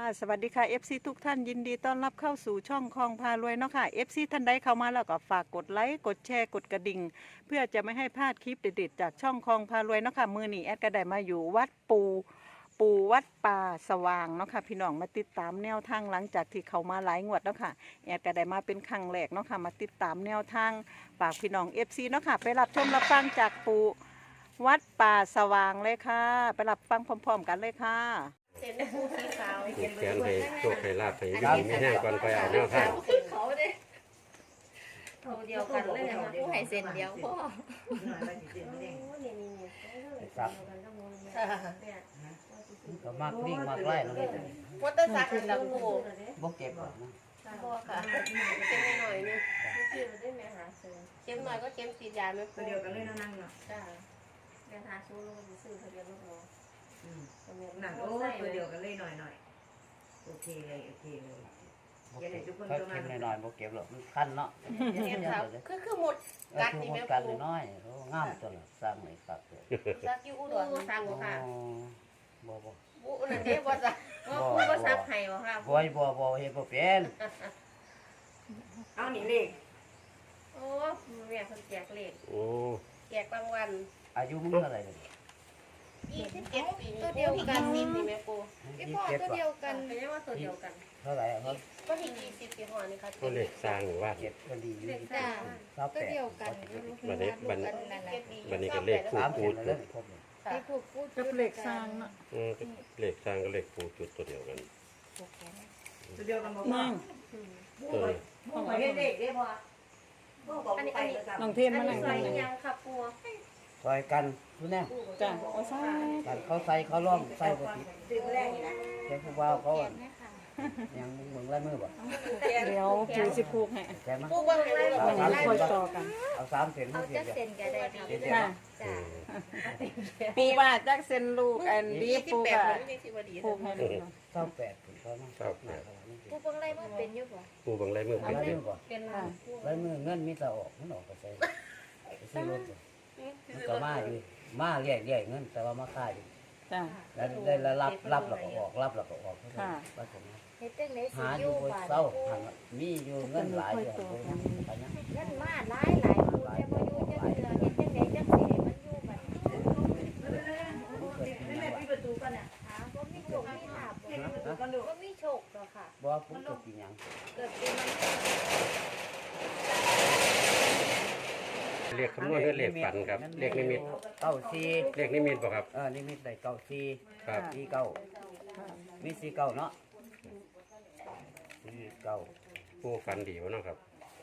สวัสดีค่ะ FC ทุกท่านยินดีต้อนรับเข้าสู่ช่องคลองพารวยเนาะค่ะ FC ท่านใดเข้ามาแล้วก็ฝากกดไลค์กดแชร์กดกระดิ่งเพื่อจะไม่ให้พลาดคลิปเด็ดๆจากช่องคลองพารวยเนาะค่ะมือนี้แอดก็ได้มาอยู่วัดปูวัดป่าสว่างเนาะค่ะพี่น้องมาติดตามแนวทางหลังจากที่เขามาหลายงวดเนาะค่ะแอดก็ได้มาเป็นครั้งแรกเนาะค่ะมาติดตามแนวทางฝากพี่น้อง FC เนาะค่ะไปรับชมรับฟังจากปูวัดป่าสว่างเลยค่ะไปรับฟังพร้อมๆกันเลยค่ะเส้นผู้สีขาวผูกแขนให้โชคให้ลาภให้ยุ่งไม่แห้งก่อนไปเอาแนวทางคือเขาเด้เขาเดียวกันเลยนะผู้ให้เส้นเดียวพ่อครับก็มากวิ่งมากไล่แล้วนี่วัตถุศักดิ์กับผู้บ่เก็บหรอกนะพ่อค่ะเจ็บหน่อยนึงเจ็บหน่อยก็เจ็บสีดยาไม่ตัวเดียวกันเลยนั่งเนาะจ้าเดี๋ยวทาสู้ลงซื้อทะเบียนรถเนาะนั่งโอ้ตัวเดียวกันเลยหน่อยโอเคเลยโอเคเลยบ่เก็บเขาเก็บน้อยๆบ่เก็บหรอกมันคันเนาะเนี่ยครับคือหมดกัดคือนี่หมแม่ดกันปูน้อยๆโอ้งามตัวละสร้างไหนครับเด้อซักอยู่อุดรสั่งบ่ค่ะบ่บุนั่นเด้บ่ซักผู้บ่ซักให้บ่ค่ะบ่เฮ็ดบ่เป็นเอาหนีเลขโอ้แม่เพิ่นแจกเลขโอ้แจกรางวัลอายุมึงเท่าไหร่เลย 27 ปีตัวเดียวกันนี่แม่ปู 27ตัวเดียวกันเป็นยังว่าตัวเดียวกันเท่าไหร่เขาก็ถึง20ปีห่อนี่ค่ะก็เลขสร้างหรือว่าเก็บก็ดีอยู่จ้า 28 ก็เดียวกันบันนี้บันนั่นแหละบันนี้ก็เลขปู 30 ปูแล้วจุดครบเลยไอ้พวกพูดกับเหล็กสร้างเนาะเลขสร้างก็เลขปูจุดตัวเดียวกันตัวเดียวกันบ่นั่งตัวบ่ไปเฮ็ดเลขได้บ่บ่บอกไปเลยครับน้องเทนอัมานนี้นั่งใส่ตรงนี้ยังค่ะปูซอยกันรู้แน่จ้ะโอ้ซ่ากันเขาใส่เขาร่องใส่บ่ผิดซื้อแรกนี่นะแค่ผู้ว่าเขาอะยังมึงไล่มือบ่เดี๋ยวปูสิพูกให้แค่มั้ยปูเบิ่งเลยหนึ่งค่อยต่อกันเอา3เส้นเอาเสียจักเดียวเซนก็ได้ครับเสียเดียวค่ะจ้าปูว่าจักเซนลูกอันดีปูก็ไม่ได้สิบ่ดีพูกให้ลูกเนาะ 28ถึงเขาเนาะผู้เบิ่งไล่มันเป็นอยู่บ่ปูบางไรมือเอาเป็นไล่มือบ่เป็นค่ะไล่มือเงินมีแต่ออกมันออกก็ใส่ไปซื้อรถอยู่มันก็มาอยู่มาเรียกเงินแต่ว่ามาค่าอยู่จ้ะแล้วได้รับแล้วก็ออกรับแล้วก็ออกว่าผมเฮ็ดจังได๋สิหาออยู่ยู่บ่บาดเศร้ามีอยู่เงินหลายอยู่ไปยังเงินมาหลายผู้แต่บ่อยู่จักเทื่อเฮ็ดจังได๋จังสิให้มันอยู่บัดแม่ปิดประตูก่อนน่ะหาบ่มีโชคมีลาภบ่ประตูก่อนลูกบ่มีโชคดอกค่ะบ่ปุ๊บก็กินหยังเกิดเป็นมันเลขคำนวณหรือเลขฝันครับ เลขนิมิต 94 เลขนิมิตบ่ครับนิมิตได้94 ครับ 49มี49เนาะ49 ปูฝันดีวะเนาะครับ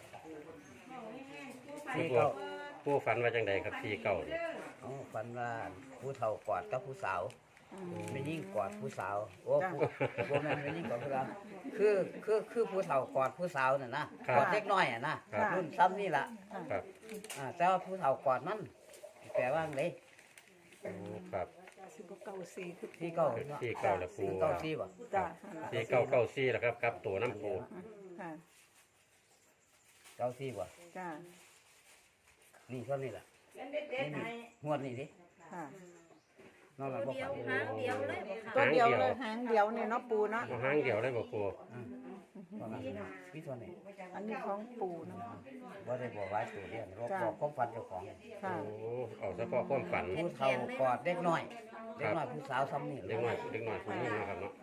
49 ปูฝันว่าจังใดครับที่เก่าเนี่ยอ๋อฝันว่าผู้เฒ่ากอดกับผู้สาวไม่ยิ่งกอดผู้สาวโอ้ผู้แม่นไม่ยิ่งกอดผู้สาวคือผู้เฒ่ากอดผู้สาวน่ะนะกอดเล็กน้อยอ่ะนะรุ่นซ้ำนี่ล่ะครับแต่ว่าผู้เฒ่ากอดมันแปลว่าไงโอ้ครับสิบเก้าสี่คือที่เก้าที่เก่าแล้วปูเก้าสี่บ่จ้ะที่เก่าเก่าซี่แล้วครับกับตัวน้ำปูค่ะเก้าสี่บ่จ้ะนี่เท่านี้ล่ะเด็ดๆให้งวดนี้ดิค่ะนอกนั้นบ่เดียฝัวน หางเดียวเลยบ่ค่ะตัวเดียวเลยหางเดียวเนี่ยเนาะปูเนาะเอาหางเดียวได้บ่ปูนอกนั้นมีเท่านี้อันนี้ของปูเนาะบ่ได้บอกหลายตัวเดียวบอกความฝันเจ้าของค่ะโอ้เอาเฉพาะความฝันผู้เฒ่ากอดเด็กน้อยเด็กน้อยผู้สาวซ้ำนี่เล็กน้อยเล็กน้อยผู้นี้นะครับเนาะ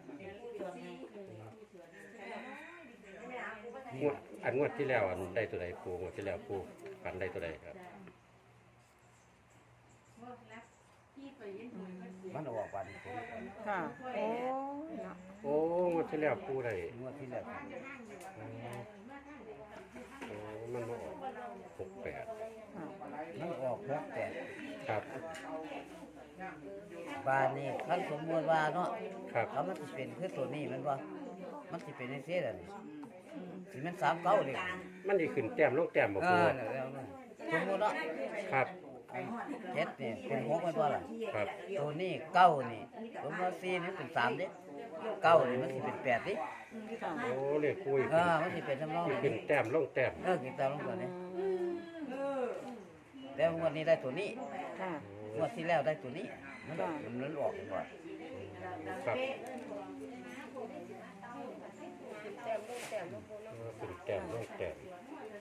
งวดที่แล้วอันได้ตัวใดปูงวดที่แล้วปูฝันได้ตัวใดครับมันออกวันผมค่ะโอ้ยเนาะโอ้งวดที่แล้วปูได้งวดที่แล้วโอ้มันมาออก68 ค่ะมันออก68 ครับบ้านนี่คันสมมติว่าเนาะครับถ้ามันสิเป็นคือตัวนี้มันว่ามันสิเป็นจังซี่ล่ะนี่สิมัน39เลยมันดีขึ้นแต้มลงแต้มบ่เอปูอนั่นแล้วนะสมมุติเนาะครับเฮ็ดนี่เป็น6มันบ่ล่ะครับตัวนี้9นี่สมมุติ4นี่เป็น3เด้9นี่มันสิเป็น8ดิค่ะโอ้เลขปูอีกมันสิเป็นทำนองขึ้นแต้มลงแต้มกินตามลงตัวนี้แล้วงวดนี้ได้ตัวนี้ค่ะงวดที่แล้วได้ตัวนี้มันออกก่อนครับ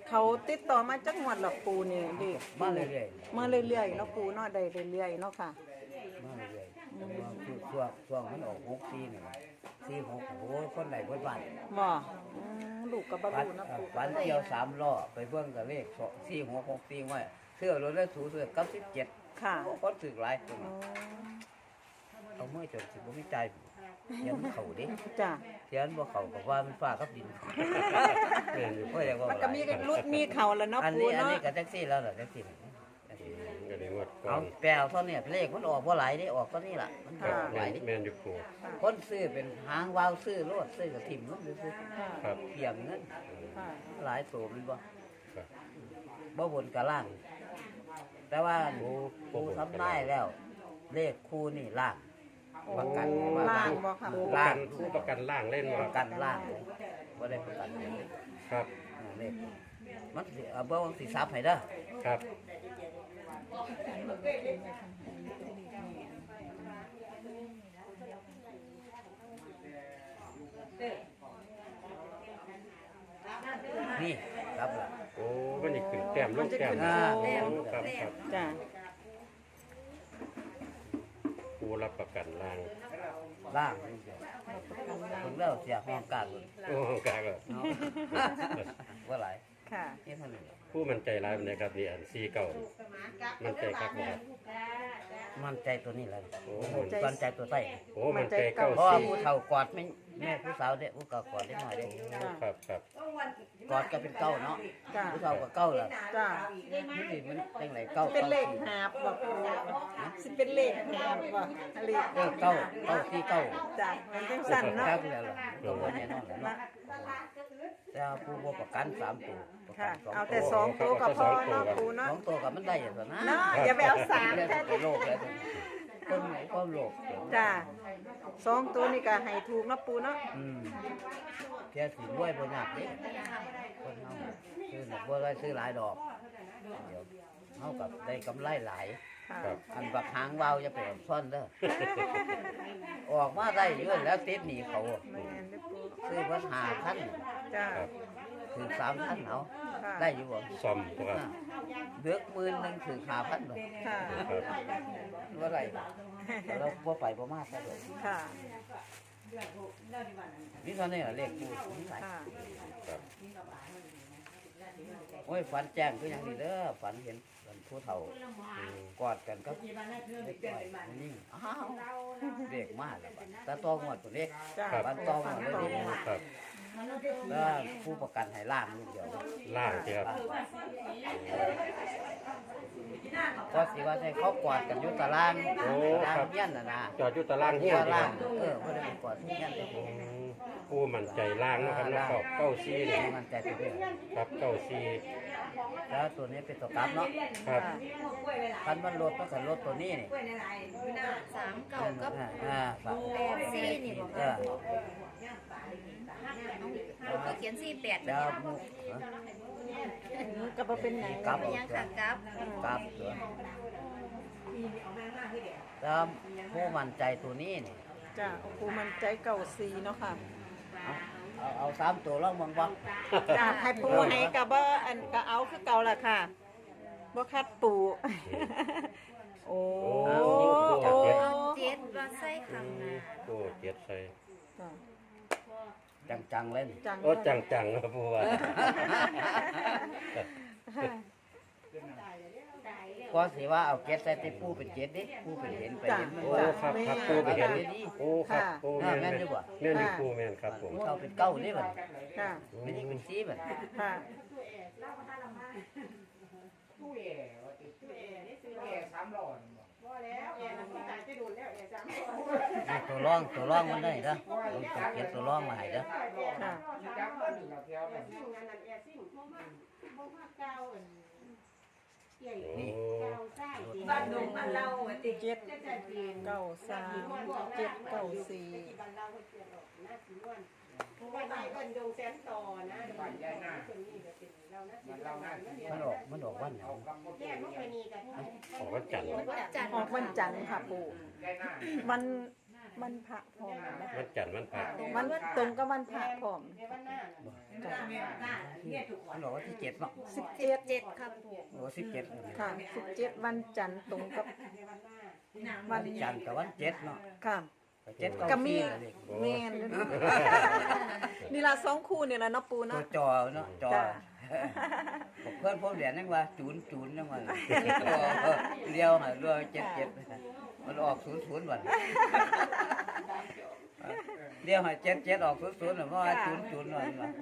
เขาติดต่อมาจักงวดหรอกปูนี่เด็กมาเรื่อยมาเรื่อยๆเนาะปูเนาะได้เรื่อยๆเนาะค่ะๆมาเรื่อยๆแต่ว่าคือช่วงมันออก64นี่46โอ้ยคนไหนคนบ้านบ่ลูกกับบรรฝันลุนะปูฝันเที่ยว3ล้อไปเบิ่งกับเลข4664ไว้เสื้อรถได้สูเสื้อกับ17 ค่ะคนถึกหลายคนอ๋อเอามือจนสิบ่มีใจเขียนเข้าดิจ้ะเขียนบ่เข้าก็ว่ามันฟ้ากับดินแม่นอยู่โอ้ยอยากว่ามันก็มีรุดมีเข่าแล้วเนาะอันปูนี้เนาะก็แท็กซี่แล้วเหรอแท็กซี่ก็ได้งวดก่อเอานแปลเท่านี้เลขมันออกบ่หลายนี่ออกเท่านี้ล่ะมันครับหลายดิแม่นอยู่ปูคนซื้อเป็นหางวาวซื้อโลดซื้อกับถิ่มมันซื้อค่ะครับเพียงเงินค่ะหลายตัวมันบ่ครับบ่บนกะล่าง แต่ว่าผู้ทำได้แล้ว เลขคู่นี่ล่าง ประกันว่าล่างบ่ค่ะผู้ประล่ากังนผู้ประกันล่างเล่นปว่าระกันล่างเลยบ่ได้ประกันเลยครับเลขมันสิเบิ่งสิซับให้เด้อครับนี่ครับล่ะโอ้มันนี่ขึ้นแต้มลงแต้มอ่าครับครับจ้ะผู้รับประกันล่างล่างนี่เดียวถึงแล้วเสียห้องกลางเลยโอ้กากเลยเนาะว่าหลายค่ะนี่เท่านี้ผู้มันใจร้ายมันเลยครับนี่อันซีเก่ามันใจคักบ่ครับมันใจตัวนี้แหละโอ้มันใจตัวใต้โอ้มันใจเก้าเพราะว่าซีผู้เฒ่ากอดไม่แม่ผู้สาวเด็กผู้เก่ากอดได้หน่อยเด็กครับครับกอดก็เป็นเก้าเนาะจ้ะผู้เฒ่าก็เก้าละจ้ะนี่สิมันจังไรเก้าเป็นเลขหาบบ่ปูสิเป็นเลขหาบบ่เลขเก้าที่เก้าจ้ะมันจังสั่นเนาะครับแล้วล่ะตัวว่าแน่นอนแล้วเนาะแต่ผู้บ่ประกัน3ตัวประกัค่ะน2 เอาตัแต่วสองตัวก็พอเนาะปูเนาะ 2ตัวก็มันได้อย่างนั้นนะเนาะอย่าไปเอาสามแค่แค่โลกแล้วคนไหนก็โลกจ้ะสองตัวนี่ก็ให้ถูกเนาะปูเนาะแค่สิรวยบ่ยากเด้คนเฮาซื้อหนักบ่ได้ซื้อหลายดอกเดี๋ยวเฮากับได้กำไรหลายค่ะครับอันบักหางวาวจะไปเอาซ่อนเด้อ ออกมาได้เยอะแล้วติดหนีเขาแม่นเด้อปูซื้อวัด5,000 จ้ะครับถึง3,000เอาค่ะได้อยู่บ่ซ่อมตัวครับเดือก10,000ถึง5,000บ่ค่ะครับว่าไรเราบ่ไปบ่มาซะเด้อค่ะนี่เท่านี้ล่ะเลขกูมีหลายค่ะครับโอ้ยฝันแจ้งคือหยังนี่เด้อฝันเห็นผู้เฒ่า กอดกันกับเด็กน้อยนี่อ้าวเด็กมากแล้วบัดตาตองหมดตัวเล็กจ้ะบันตองหมดเลยนี่ครับแล้วผู้ประกันให้ล่างลูกเดียวล่างสิครับก็สิว่าให้เขากอดกันอยู่ตารางโอ้ตารางครับเงี้ยนน่ะนะจอดอยู่ตารางเฮียตานสิราคงรับบ่ได้ไปกอดทุกเงี้ยนเลยผู้มันใจล่างเนาะครับเนาะเก้าซีนี่มันใจตัวเองครับเก้าซีแล้วตัวนี้เป็นตัวกลับเนาะครับคันมันลดมันก็ลดตัวนี้นี่ 3 เก่ากับครับ 8 4นี่บ่เอค่ะอลูกก็เขียน48 แล้วหมู่ก็บ่เป็นหยังกลับเป็นยังค่ะกับกลับตัวแล้วผู้มั่นใจตัวนี้นี่จ้ะปูมันใจเก่าซีเนาะค่ะเอา3ตัวลองเบิ่งบ่จ้ะให้ปูให้ก็บ่อันก็เอาคือเก่าล่ะค่ะบ่คัดปู โอ้โอ้เอา7ว่าใส่ข้างหน้าโอ้เจ็ดใส่จ้ะจังๆเลยนี่จังโอ้จังจังๆครับผู้ว่าก็สิว่าเอาเก็ดใส่ติผู้เป็นเก็ดดิผู้เป็นเห็นไปเห็นมันโอ้ว่าครับครับปูไปเห็นโอ้ครับโอ้แม่นแม่นอยู่บ่แม่นอยู่ปูแม่นครับผมผู้เฒ่าเป็นเก้านี่บัดค่ะไม่ได้เป็นสีบัดค่ะตัวร่องมันได้เด้อต้องเก็ดตัวร่องมาให้เด้อค่ะโอ้บ้านดงบ้านเราติเจ็ดเก้าสามเจ็ดเก้าสี่มันออกวันไหนออกวันจันทร์จันทร์ออกวันจันทร์ค่ะปู่วันวันพระพร้อมนะวันจันทร์วันพระมันตรงกับวันพระพร้อมเดี๋ยววันหน้ามันบอกว่าที่7เนาะ 17ครับปู่โอ้17 ค่ะ17วันจันทร์ตรงกับวันจันทร์กับวัน7เนาะค่ะ 7 ก็มีเลขแม่นนี่ล่ะ2คู่นี่ล่ะเนาะปูตัเนาะวจอเนาะจอจ้ะเพื่อนผมเรียนนั่งว่าจูนนั่งว่าเลี้ยวหาเรือ7มันออก00วันเลี้ยวหา7ออก00เพราะว่าจูนวัน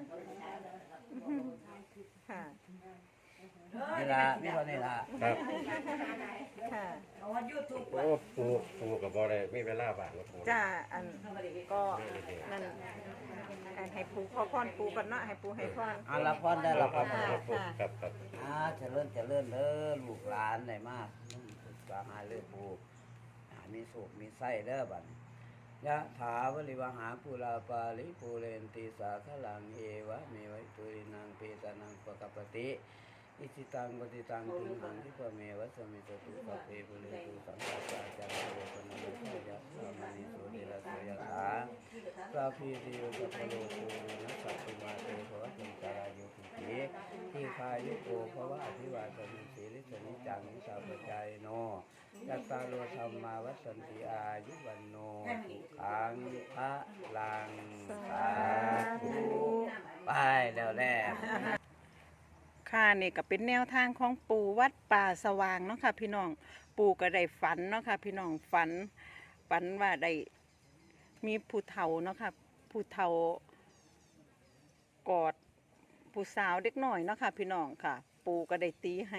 ค่ะนี่ล่ะนี่เท่านี้ล่ะครับค่ะเอาว่ายูทูบโอ้ปูกับบ่ได้มีเวลาว่างนะปูจ้าอันก็นั่นอันให้ปูขอพรปูก่อนเนาะให้ปูให้พรอ่าละพรได้ละพรครับปูครับครับเจริญเด้อลูกหลานได้มากสาหาเลือปูมีสุขมีไส้เด้อบัดยะถาวริวหาปุราปาลิปูเรนติสาขลังเอวะเมวัยตุรินังเปตานังปะกปติอิจิตังปฏิตังตุมหังทิปะเมวัสมิจตุปะเปปุเรตุสังฆาจาจารย์โลกนันทยะสามานิโสเดละโสยะถาพระพีติโยสัพพโลกูนัสสัพพิมาเตภวะตังจารโยติเถที่คายุโกภวะอภิวาทมิสีลิสนิจังนิสาปจายโนยัตตาโลธรรมาวัสันติอายุวันโนสุขังพระลังสาธุไปแล้วแน่ค่ะนี่ก็เป็นแนวทางของปูวัดป่าสว่างเนาะค่ะพี่น้องปูก็ได้ฝันเนาะค่ะพี่น้องฝันว่าได้มีผู้เฒ่าเนาะค่ะผู้เฒ่ากอดผู้สาวเด็กน้อยเนาะค่ะพี่น้องค่ะ ปูก็ได้ตีให้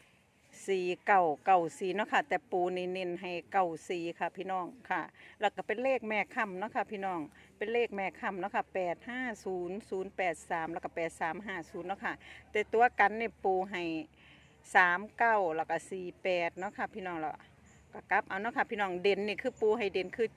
4994เนาะค่ะแต่ปูนี่เน้นให้94ค่ะพี่น้องค่ะ แล้วก็เป็นเลขแม่ค่ำเนาะค่ะพี่น้องเป็นเลขแม่ค่ำเนาะค่ะ850083แล้วก็8350เนาะค่ะแต่ตัวกันเนี่ยปูให้39แล้วก็48เนาะค่ะพี่น้องแล้วก็กลับเอาเนาะค่ะพี่น้องเด่นนี่คือปูให้เด่นคือ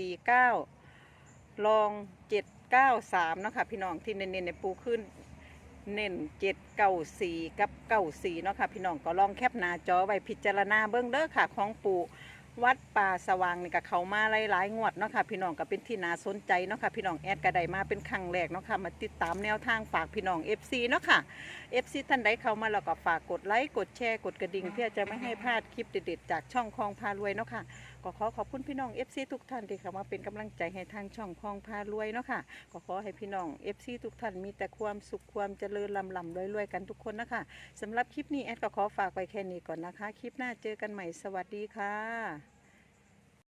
749รอง793เนาะค่ะพี่น้องที่เน้นๆในปูขึ้นเน้น794กับ94เนาะค่ะพี่น้องก็ลองแคปหน้าจอไว้พิจารณาเบิ่งเด้อค่ะของปูวัดป่าสว่างนี่ก็เข้ามาหลายๆงวดเนาะค่ะพี่น้องก็เป็นที่น่าสนใจเนาะค่ะพี่น้องแอดก็ได้มาเป็นครั้งแรกเนาะค่ะมาติดตามแนวทางฝากพี่น้อง FC เนาะค่ะ FC ท่านใดเข้ามาแล้วก็ฝากกดไลค์กดแชร์กดกระดิ่งเพื่อจะไม่ให้พลาดคลิปเด็ดๆจากช่องคลองพารวยเนาะค่ะก็ขอบคุณพี่น้อง FC ทุกท่านที่เข้ามาเป็นกำลังใจให้ทางช่องคลองพารวยเนาะค่ะก็ขอให้พี่น้อง FC ทุกท่านมีแต่ความสุขความเจริญลำรวยๆกันทุกคนนะคะสำหรับคลิปนี้แอดก็ขอฝากไว้แค่นี้ก่อนนะคะคลิปหน้าเจอกันใหม่สวัสดีค่ะ